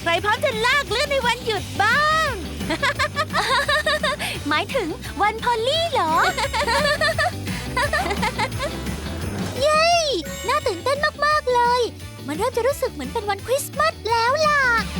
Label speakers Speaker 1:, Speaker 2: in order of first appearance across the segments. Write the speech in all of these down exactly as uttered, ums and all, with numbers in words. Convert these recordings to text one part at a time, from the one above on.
Speaker 1: รพร้อมจะลากเลื่อนในวันหยุดบ้าง
Speaker 2: หมายถึงวันพอลลี่เหรอ เย้ น่าตื่นเต้นมากๆเลย มันเริ่มจะรู้สึกเหมือนเป็นวันคริสต์มาสแล้วล่ะ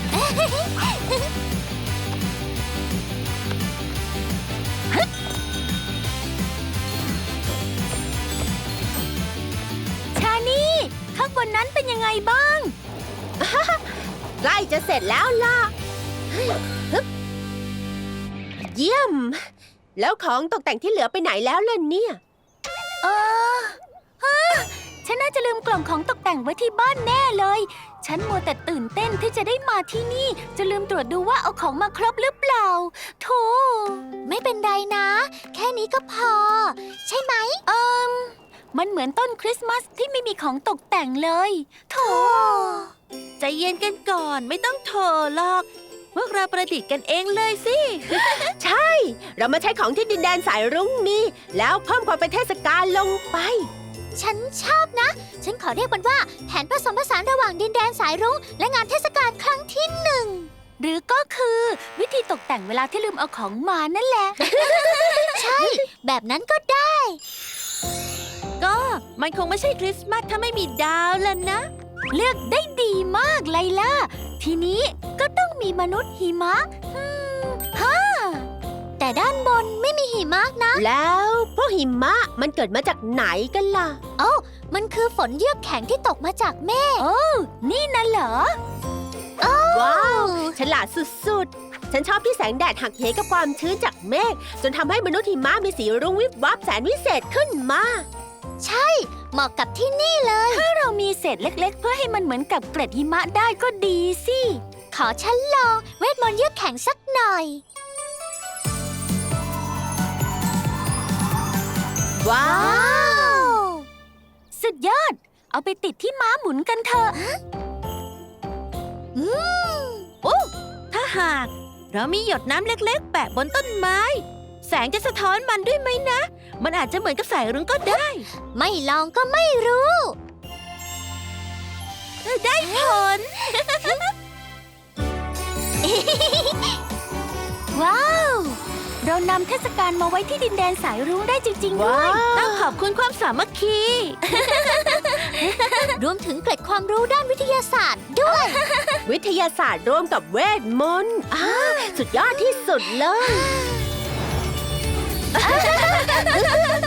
Speaker 2: ชานี่ข้างบนนั้นเป็นยังไงบ้าง
Speaker 1: ใกล้จะเสร็จแล้วล่ะฮึบเยี่ยม แล้วของตกแต่งที่เหลือไปไหนแล้วล่ะเนี่ย
Speaker 2: เออฮะฉันน่าจะลืมกล่องของตกแต่งไว้ที่บ้านแน่เลย ฉันมัวแต่ตื่นเต้นที่จะได้มาที่นี่ จะลืมตรวจดูว่าเอาของมาครบหรือเปล่าโธ่ไม่เป็นไรนะ แค่นี้ก็พอ ใช่ไหมเอิมมันเหมือนต้นคริสต์มาสที่ไม่มีของตกแต่งเลยโธ่
Speaker 1: ใจเย็นกันก่อนไม่ต้องโถหรอกพวกเราประดิษฐ์กันเองเลยสิ ใช่ เรามาใช้ของที่ดินแดนสายรุ้งนี่แล้วเพิ่มความเป็นเทศกาลลงไป
Speaker 2: ฉันชอบนะ ฉันขอเรียกมันว่าแผนผสมผสานระหว่างดินแดนสายรุ้งและงานเทศกาลครั้งที่หนึ่ง หรือก็คือวิธีตกแต่งเวลาที่ลืมเอาของมานั่นแหละ ใช่ แบบนั้นก็ได้
Speaker 1: ก็มันคงไม่ใช่คริสต์มาสถ้าไม่มีดาวแล้วนะ
Speaker 2: เลือกได้ดีมากไลล่า ทีนี้ก็ต้องมีมนุษย์หิมะฮึมฮ่าแต่ด้านบนไม่มีหิมะนะ
Speaker 1: แล้วพวกหิมะมันเกิดมาจากไหนกันล่ะ
Speaker 2: โอ้มันคือฝนเยือกแข็งที่ตกมาจากเมฆโอ้นี่น่ะเหรอ
Speaker 1: ว้าว ฉลาดสุดๆ ฉันชอบที่แสงแดดหักเหกับความชื้นจากเมฆจนทำให้มนุษย์หิมะมีสีรุ้งวิบวับแสนวิเศษขึ้นมา
Speaker 2: ใช่ เหมาะกับที่นี่เลย ถ้าเรามีเศษเล็กๆ เพื่อให้มันเหมือนกับเกล็ดหิมะได้ก็ดีสิ ขอฉันลองเวทมนต์เยือกแข็งสักหน่อย
Speaker 1: ว้าว
Speaker 2: สุดยอด เอาไปติดที่ม้าหมุนกันเถอะอืม
Speaker 1: โอ้ถ้าหากเรามีหยดน้ำเล็กๆ แปะบนต้นไม้ แสงจะสะท้อนมันด้วยไหมนะ มันอาจจะเหมือนกับสายรุ้งก็ได้
Speaker 2: ไม่ลองก็ไม่รู้
Speaker 1: ได้ผล
Speaker 2: ว้าว เรานำเทศกาลมาไว้ที่ดินแดนสายรุ้งได้จริง ๆ ด้วย
Speaker 1: ต้องขอบคุณความสามัคคี
Speaker 2: รวมถึงเกร็ดความรู้ด้านวิทยาศาสตร์ด้วย
Speaker 1: วิทยาศาสตร์ร่วมกับเวทมนต์อ่าสุดยอดที่สุดเลย